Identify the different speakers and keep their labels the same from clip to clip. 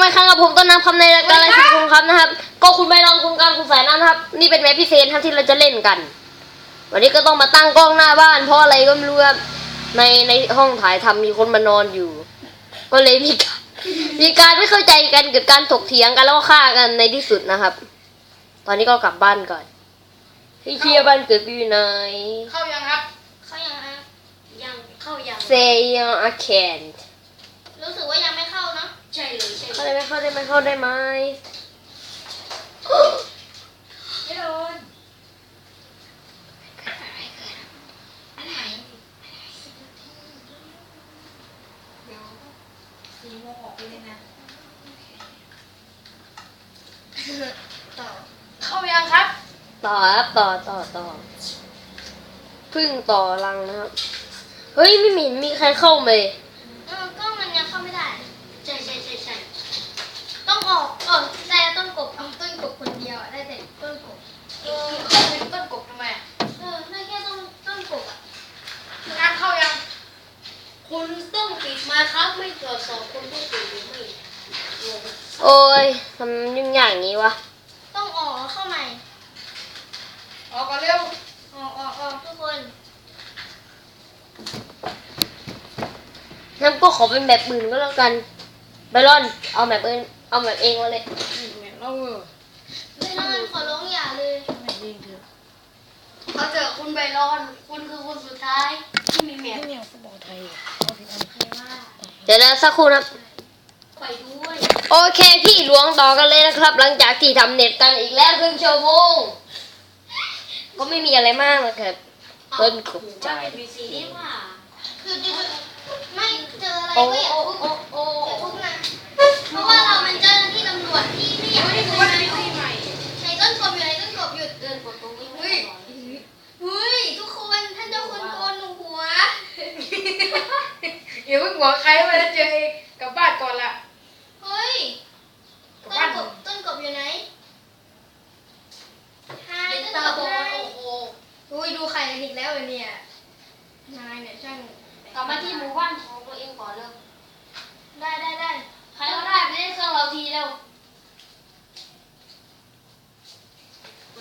Speaker 1: มาครั้งกับผมต้นน้ำคำในรายการอะไรสิคุณครับนะครับก็คุณไม่ลองคุณการคุณสายน้ำนะครับนี่เป็นแมปพิเศษครับที่เราจะเล่นกัน วันนี้ก็ต้องมาตั้งกล้องหน้าบ้านเพราะอะไรก็ไม่รู้ครับในห้องถ่ายทำมีคนมานอนอยู่ ก็เลยมีการไม่เข้าใจกันเกิดการถกเถียงกันแล้วก็ฆ่ากันในที่สุดนะครับ ตอนนี้ก็กลับบ้านก่อนพี่เชียร์บ้านเกิดอยู่ไหน
Speaker 2: เข้ายังครับ
Speaker 3: เข้ายังฮะยังเข้ายัง
Speaker 1: Say I can't
Speaker 3: รู้สึกว่ายังไม่เข้าเนาะใช่เลยใช่
Speaker 1: เข้าได้ไหมเข้าได้ไหมเข้าได้ไหม
Speaker 3: ไม่โดนอะไรเดี๋ยว4 โมงออกไปเลยนะต่อ
Speaker 2: เข้ายังครับ
Speaker 1: ต่อครับต่อพึ่งต่อรังนะครับเฮ้ยไม่เห็นมีใครเข้าเลย
Speaker 3: ก็มันยังเข้าไม่ได้ใช่ต้องออกแต่ต้นกบเอาต้นกบคนเดียวได้แต่ต้นกบ
Speaker 2: เข้าเป็นต้นกบทำไมอะ
Speaker 3: ได้แค่ต้นกบอ่ะ
Speaker 2: งานเข้ายัง
Speaker 3: คุณต้องปิดมาครับไม่ตรวจสอบคุณต้องปิดหรือไม่
Speaker 1: โอ้ยทำยุ่งยากอย่างนี้วะ
Speaker 3: ต้องออกเข้าใหม่
Speaker 2: ออกก่อนเร็ว
Speaker 3: ออกทุกคน
Speaker 1: งั้นก็ขอเป็นแบบอื่นก็แล้วกันไบรอนเอาแบบอื่นเอาแบบเองมาเลย
Speaker 2: เรา
Speaker 3: ไม่นอนขอร้องอย่าเลย
Speaker 2: ไม่ยิงเถอะ
Speaker 3: เขาเจอคุณใบรอนคุณคือคนสุดท้ายที่มีแม
Speaker 2: ไม่
Speaker 3: ว
Speaker 2: เนี่ยฟุตบอลไทยเอาผิดอัน
Speaker 3: ใครว่า
Speaker 1: เดี๋ยวนะสักครู่นะ
Speaker 3: ไปด้วย
Speaker 1: โอเคพี่หลวงต่อกันเลยนะครับ หลังจากที่ทำเน็ตกันอีกแล้วครึ่งชั่วโมงก็ไม่มีอะไรมากนะครับต้นขบใจ
Speaker 3: มีสีนี่ว่าคือไม่เจออะไรก็อย่าทุบอย่าทุบนะเพราะว่าเรามันเจ้าหน้าที่ตำรวจที่ไม่อยากให้คุณนะในต้นกบอยู่ในต้นกบหยุดเดินกดตรงนี้เฮ้ยทุกคนท่านเจ้าคุณโกนหัว
Speaker 2: อย่าเพิ่งหัวใครไปแล้วเจอเองกลับบ้านก่อนละ
Speaker 3: เฮ้ย
Speaker 2: กลับ
Speaker 3: ต้
Speaker 2: บ้าน
Speaker 3: นกบอยู่ไหนหายต้น
Speaker 2: ตาก
Speaker 3: บบ
Speaker 2: อ
Speaker 3: หา
Speaker 2: ด
Speaker 3: ย
Speaker 2: โอ้โห
Speaker 3: อุ้ยดูไข่กันอีกแล้วเนี่ยนายเนี่ยช่าง
Speaker 4: กลับมาที่หมู่บ้านของตัวเองก่อนเร็ว
Speaker 3: ได้
Speaker 4: ใครก็ได้ไปเล่นเครื่องเราทีเร็ว มา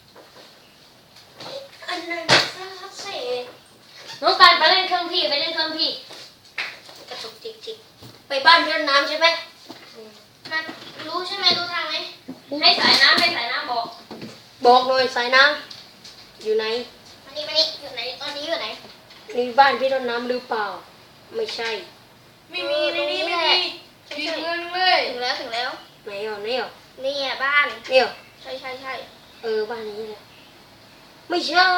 Speaker 3: อันนั้นซักเสก
Speaker 4: น้องการไปเล่นเครื่องพี่ไปเล่นเครื่องพี่
Speaker 3: กระตุกจิก
Speaker 4: ไปบ้านเพื่อนน้ำใช่ไหม
Speaker 3: มารู้ใช่ไหมรู้ทางไหม
Speaker 4: ให้สายน้ำบอก
Speaker 1: บอกเลยสายน้ำอยู่ไหน
Speaker 3: มานี่อยู่ไหนตอนนี้อยู่ไหน
Speaker 1: นี่บ้านพี่ต้นน้ำหรือเปล่า ไม่ใช่
Speaker 2: ไม่มีในนี้ไม่มีผิดเมืองเลย
Speaker 3: ถึงแล้ว
Speaker 1: ไหนอ่ะนี่อ่ะ
Speaker 3: นี่อ่ะบ้าน
Speaker 1: นี่อ่ะ
Speaker 3: ใช่
Speaker 1: บ้านนี้แหละไม่ใช่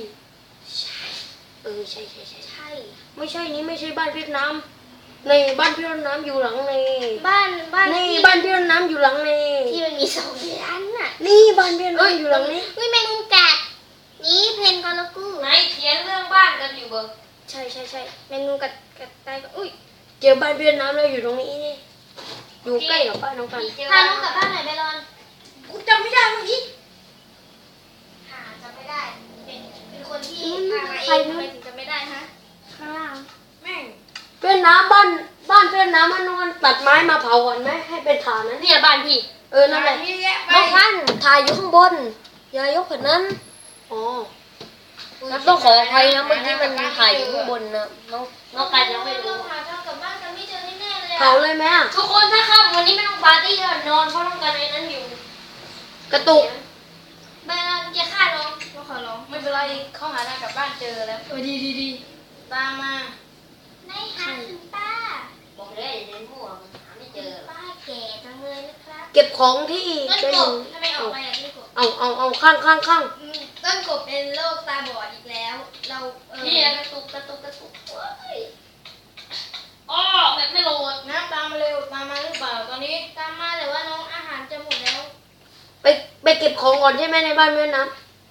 Speaker 1: ใช่
Speaker 3: ใช่
Speaker 1: ไม่ใช่นี่ไม่ใช่บ้านพี่ต้นน้ำในบ้านพี่ต้นน้ำอยู่หลังใน
Speaker 3: บ้าน
Speaker 1: นี่
Speaker 3: ที่
Speaker 1: บ้านพี่ต้นน้ำอยู่หลังใน
Speaker 3: ที่มันมี2 ชั้นน่ะ
Speaker 1: นี่บ้านพี่ต้นน้ำอยู่หลังนี้
Speaker 3: อุ้ยแมงมุมกัดนี่เพนกอลกู
Speaker 4: ไหนเถียงเรื่องบ้านกันอยู่เบอร์
Speaker 3: ใช่แมงมุมกัดตายก็อุ้ย
Speaker 1: เจอบ้านพี่ต้นน้ำแล้วอยู่ตรงนี้นี่อยู่ใกล้กับบ้านน้องกัน
Speaker 4: พี่เจอ
Speaker 3: พาน้องกลับบ้านหน่อยไปรอน
Speaker 2: กูจำไม่ได้เมื่อกี้
Speaker 3: หาจำไม่ได้ เป็นคนที่พามาเองทำไมถึงจำไม่ได้ฮะข้างล่าง
Speaker 2: แม่ง
Speaker 1: เพื่อนน้ำบ้านเพื่อนน้ำมันนอนตัดไม้มาเผาก่อนไหมให้เป็นฐานนั้น
Speaker 4: เนี่ยบ้านพี่
Speaker 1: นั่นแหละ
Speaker 2: เยอะแยะไป
Speaker 1: น้องพันธุ์ถ่ายอยู่ข้างบน อย่ายกแบบนั้น อ๋องั้นต้องขออภัยนะเมื่อกี้มันถ่ายอยู่ข้างบนนะน้องกันยังไม่รู้
Speaker 3: เราหาทางกลับบ้านกันไม่เจอแน่ๆเลย
Speaker 1: เผาเลยไหมอะ
Speaker 4: ทุกคนถ้าครับวันนี้ไม่ต้องปาร์ตี้แล้วนอนเพราะต้องการในนั้นอยู่
Speaker 1: กระตุก
Speaker 3: ไปรอนอย่าฆ่าน้องเราขอร้อง
Speaker 2: ไม่เป็นไรเข้าหาทางกลับบ้านเจอแล้วดีตามมา
Speaker 3: ได้ค่ะคุณป้า
Speaker 4: บอกเลยอย่าเดินมั่วมันหาไม่เจอ
Speaker 3: ป้าแก่จังเลยนะครับ
Speaker 1: เก็บของที่
Speaker 3: ต้น
Speaker 1: จะ
Speaker 3: ก
Speaker 1: อยู่
Speaker 3: บทำไมออกมาอย่างนี้กบ
Speaker 1: เอาข้าง
Speaker 3: ต้นกบเป็นโรคตาบอดอีกแล้ว เรา
Speaker 4: พี่กระตุกเว้ยอ้อแบบไม่โหลด
Speaker 2: น้ำตามมาเร็วตามมาหรือเปล่าตอนนี้
Speaker 3: ตามมาแต่ว่าน้องอาหารจะหมดแล้ว
Speaker 1: ไปเก็บของก่อนใช่ไหมในบ้านเพื่อนน้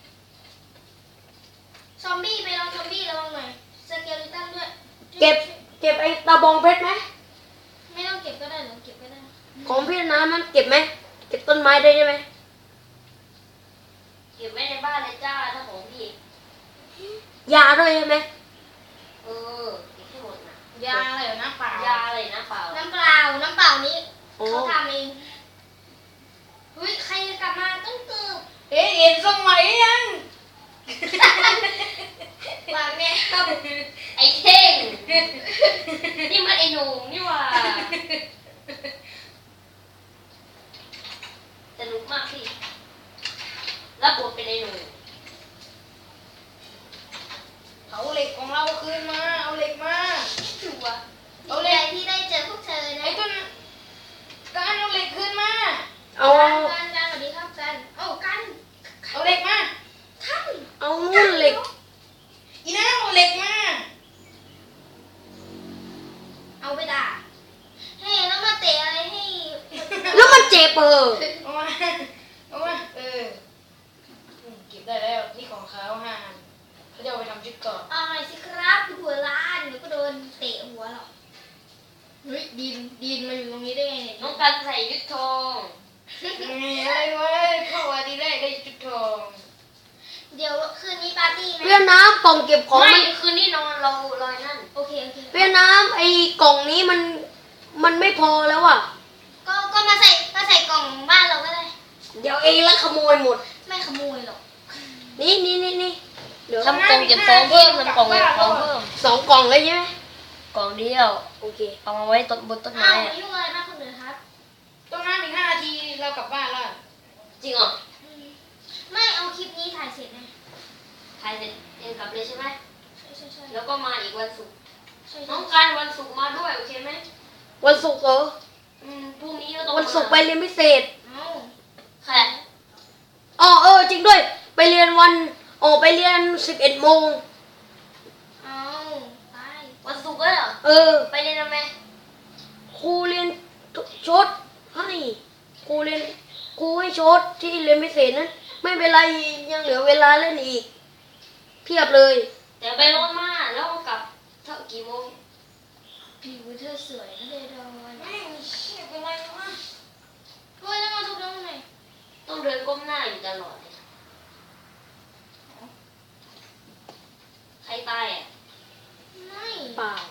Speaker 3: ซอมบี้ไปลองซอมบี้ระวังหน่อยสเกลิตันด้วย
Speaker 1: ำเก็บไอ้ตาบองเพชรไหม
Speaker 3: ไม่ต้องเก็บก็ได้หรอเก็บก็ได้
Speaker 1: ของพี่น้ำมันเก็บไหมเก็บต้นไม้ได้ใช่ไหม
Speaker 4: เก็บไว้ในบ้านเลยจ้าถ้าของพี่
Speaker 1: ยาด้วยใช่ไหม
Speaker 4: เก็บให้หมดนะ
Speaker 2: ยาอะไรเหรอน้ำเปล่าย
Speaker 4: าอะไรนะเปล่า
Speaker 3: น้ำเปล่านี้
Speaker 1: อ๋อ
Speaker 3: เขาทำเองเฮ้ยใครจะกลับมาต้องเกือบ
Speaker 2: เอ๊ะเห็นสมัยยัง
Speaker 3: ว่าแม่ครับ
Speaker 4: ไอ้เท่ง นี่มันไอ้หนุ่มนี่หว่าสนุกมากพี่รับบทเป็นไอ้หนุ่ม
Speaker 2: เอาเหล็กของเราคืนมา เอาเหล็กมา
Speaker 4: ชัวร์
Speaker 3: ดีใจที่ได้เจอพวกเธอนะ
Speaker 2: ไอ้ต้นการเอาเหล็กคืนมา
Speaker 1: เอา
Speaker 3: กันสวัสดีครับกันเอ้ากัน
Speaker 2: เอาเหล็กมา
Speaker 3: ท่าน
Speaker 1: เอานู่นเหล็ก
Speaker 2: อีน้าเอาเหล็กมา
Speaker 3: เอาไปด่าให้แล้วมาเตะอะไรให้
Speaker 1: แล้วมันเจ็บเออ
Speaker 2: เอามา เอามา เก็บได้แล้ว นี่ของเขา5 อันเขาจะเอาไปทำชุดเกราะ
Speaker 3: เอาหน่อยสิครับหัวล้านเดี๋ยวก็โดนเตะหัวหรอกเฮ้ยดินมาอยู่ตรงนี้ได้ไงเนี่ย
Speaker 4: น้องกันใส่ยุทธทอง
Speaker 2: อะไรวะเข้าวันที่แรกได้ชุดทอง
Speaker 3: เดี๋ยวคืนนี้ปาร์ตี้ไหม
Speaker 1: เวียดนามกล่องเก็บของ
Speaker 4: ไม่
Speaker 1: มัน
Speaker 4: คืนนี้นอนเราลอยนั่น
Speaker 3: โอเคโอเค
Speaker 1: เวียดนามไอ้กล่องนี้มันไม่พอแล้วอ่ะ
Speaker 3: ก็มาใส่กล่องบ้านเราก็ได้
Speaker 1: เดี๋ยวเองแล้วขโมยหมด
Speaker 3: ไม่ขโมยหรอก
Speaker 1: นี่เดี๋ยว
Speaker 4: ทำกล่องเก็บของเพิ่มทำกล่องเก็บของเพิ่ม
Speaker 1: 2 กล่องเลยใช่ไหม
Speaker 4: กล่องเดียว
Speaker 1: โอเค
Speaker 4: เอามาไว้ต้นบนต้น
Speaker 3: อ้า
Speaker 4: ไม้
Speaker 3: ว
Speaker 4: อะ
Speaker 3: ยุ่งอะไรมากคนอื่นครับ
Speaker 2: ต้องน้ำอีก5 นาทีเรากลับบ้านแล้ว
Speaker 4: จริงเหรอ
Speaker 3: ไม่เอาคลิปนี้ถ่ายเสร็จนะ
Speaker 4: ถ่ายเสร็จเองกลับเลยใช่ไหม
Speaker 3: ใช่
Speaker 4: แล้วก็มาอีกวันศุกร์
Speaker 3: ใช่
Speaker 4: น้องการวันศุกร์มาด้วยโอเคไหม
Speaker 1: วันศุกร์เหรอ
Speaker 4: พรุ่งนี้ก็ต้อง
Speaker 1: วันศุกร์ไปเรียนพิเศษ
Speaker 3: เอา
Speaker 4: ใคร
Speaker 1: อ๋อจริงด้วย ไปเรียนไปเรียน11 โมง
Speaker 3: เอาไป
Speaker 4: วันศุกร์ก็เหรอ ไปเรียนทำไม
Speaker 1: ครูเรียนชดให้ครูให้ชดที่เรียนพิเศษนั้นไม่เป็นไรยังเหลือเวลาเล่นอีก เพียบเลย
Speaker 4: เดี๋ยวไปรถมาแล้วก็กลับเท่ากี่โมง
Speaker 3: ผิวเธอสวยนะเดดอน
Speaker 2: แม่งเชี่ยเป็นไรวะ
Speaker 3: เฮ้ยแล้วมาทุบน้องหน่อย
Speaker 4: ต้องเดินก้มหน้าอยู่ตลอดเลยใครตายอ่ะ
Speaker 3: ไม่
Speaker 1: เปล่า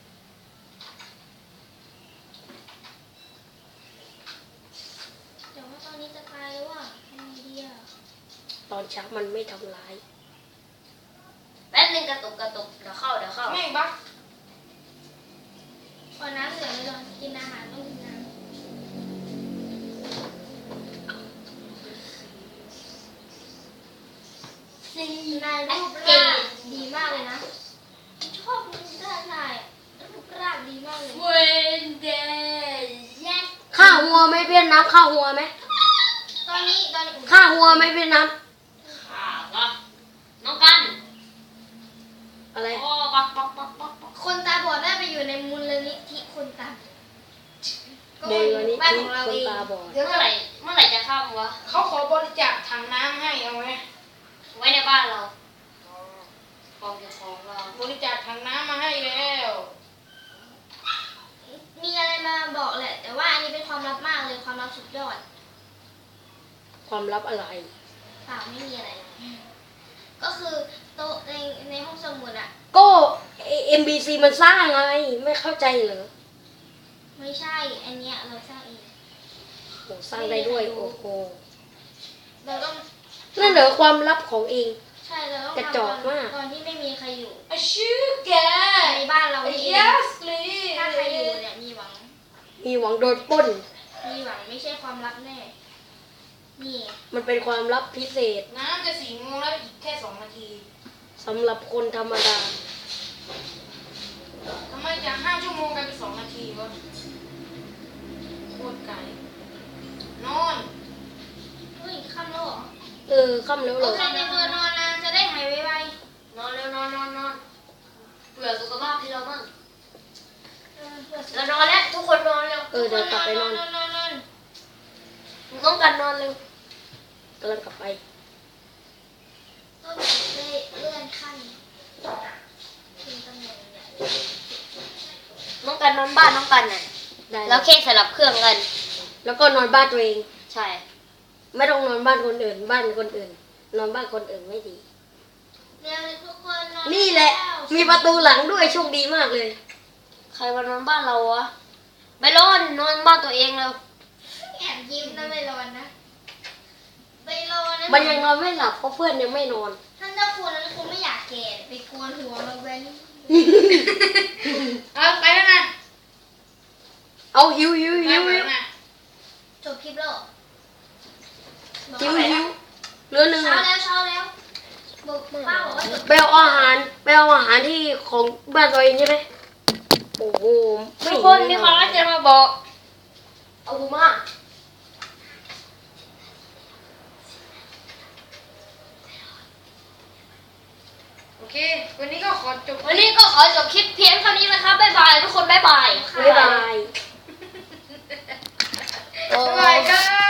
Speaker 3: แต่ว่าตอนนี้จะตายแล้วอ่ะทำไงดีอ่ะ
Speaker 1: ตอนเช้ามันไม่ทำร้าย
Speaker 4: แป๊บนึงกระตุกเดี๋ยวเข้า
Speaker 2: แม่งบัก
Speaker 3: พอน้ำเหลือเลยดอนกินอาหารต้องกินน้ำนายรูปร่างดีมากเลยนะ ชอบรูปร่างนายอะรูปร่างดีมากเลย
Speaker 4: เวนเดย์แยก
Speaker 1: ค่าหัวไหมเวียดนามค่าหัวไหม
Speaker 3: ตอนนี้
Speaker 1: ค่าหัวไหมเวียดนาม
Speaker 4: ข่าวก็น้องกัน
Speaker 1: อะไร
Speaker 4: โอ้ปัก
Speaker 3: คนตาบอดได้ไปอยู่ในมูลนิธิคนตาบอดก็
Speaker 1: โด
Speaker 3: เป็
Speaker 1: ย
Speaker 3: น
Speaker 1: วันนี้
Speaker 3: บ้าน
Speaker 1: ที่
Speaker 3: ของเรา
Speaker 1: คน
Speaker 3: เอง
Speaker 1: ตาบอด
Speaker 2: เดี๋ยว
Speaker 4: เมื่อไหร่จะเข้าวะ
Speaker 2: เขาขอบริจาคถังน้ำให้เอาไหม
Speaker 4: ไว้ในบ้านเรากองเก็บของเรา
Speaker 2: บริจาคถังน้ำมาให้แล้ว
Speaker 3: มีอะไรมาบอกแหละ แต่ว่าอันนี้เป็นความลับมากเลยความลับสุดยอด
Speaker 1: ความลับอะไร
Speaker 3: เปล่าไม่มีอะไร ก็คือโต๊ะในห้องสมุดอะ
Speaker 1: ก็ MBC มันสร้างไง ไม่เข้าใจเหรอ
Speaker 3: ไม่ใช่ อันเนี้ยเราสร้างเอง
Speaker 1: โหสร้างได้ด้วยโอ้โห
Speaker 3: เราต้อง
Speaker 1: นั่นเหรอความลับของเอง
Speaker 3: ใช่เราต้อง
Speaker 1: กระจอกมาก
Speaker 3: ตอนที่ไม่มีใครอยู่
Speaker 2: อะชื่อแก
Speaker 3: ในบ้านเราเอง
Speaker 2: yes please
Speaker 3: ถ้าใครอยู่เนี่ยมีหวัง
Speaker 1: มีหวังโดนปล้น
Speaker 3: มีหวังไม่ใช่ความลับแน่ นี่
Speaker 1: มันเป็นความลับพิเศษ
Speaker 2: น้ำจะ4 โมงแล้วอีกแค่2 นาที
Speaker 1: สำหรับคนธรรมดา
Speaker 2: ทำไมจาก5 ชั่วโมงกลายเป็น2 นาทีวะโคตรไกลนอน
Speaker 3: เฮ้ยค่ำแล้วเหรอ
Speaker 1: ค่ำแล้วเหร
Speaker 3: โอ
Speaker 1: อ
Speaker 3: เคในตัวนอนนะจะได้หายไว
Speaker 4: นอนเร็วนอนเผื่อสุขภาพที่เราบ้าง
Speaker 3: ๆเพื่อสุข
Speaker 4: เรานอนแล้วทุกคนนอนเร็ว
Speaker 1: เดี๋ยวกลับไปนอน
Speaker 3: นอน
Speaker 4: ต้องการนอนเร็ว
Speaker 1: กำลังกลับไป
Speaker 3: ก็เลยเลื่อนขั้นเป็นตำแหน่งเนี่ย
Speaker 4: น้องกันนอนบ้านน้องกันน่ะ
Speaker 1: ได้
Speaker 4: แล้วแค่สลับเครื่องกัน
Speaker 1: แล้วก็นอนบ้านตัวเอง
Speaker 4: ใช่
Speaker 1: ไม่ต้องนอนบ้านคนอื่น บ้านคนอื่น นอนบ้านคนอื่นไม่ดี
Speaker 3: เร็วทุกคนนอน
Speaker 1: นี่แหละ
Speaker 3: แล้ว
Speaker 1: มีประตูหลังด้วยโชคดีมากเลย
Speaker 4: ใครมานอนบ้านเราวะ
Speaker 1: ไม่ร้อนนอนบ้านตัวเองแล้ว
Speaker 3: แอบยิ้มนะไม่ร้อนนะไม่ร้อนนะ
Speaker 1: มันยังนอนไม่หลับเพราะเพื่อนยังไม่นอน
Speaker 3: ท่านเจ้าคุณนั้นคงไม่อยากแก่ไปโกนหัวมาเว้น
Speaker 2: เอาไปแล้วนะ
Speaker 1: เอาหิว
Speaker 2: ไปแล้วนะ
Speaker 3: จบคลิปแล้วเหรอ
Speaker 1: หิวเหลือหนึ่ง
Speaker 3: เช้าแล้วบอกป้าบอกว่าจบ
Speaker 1: ไปเอาอาหารที่ของบ้านตัวเองใช่ไหมโอ้โห
Speaker 4: ทุกคนมีความรักจะมาบอก
Speaker 1: เอามา
Speaker 2: โอเค วันนี้ก็ขอจบ
Speaker 4: วันนี้ก็ขอจบคลิปเพียงเท่านี้นะครับบ๊ายบายทุกคนบ๊ายบาย
Speaker 1: บ๊ายบาย
Speaker 2: บ๊ายบายครับ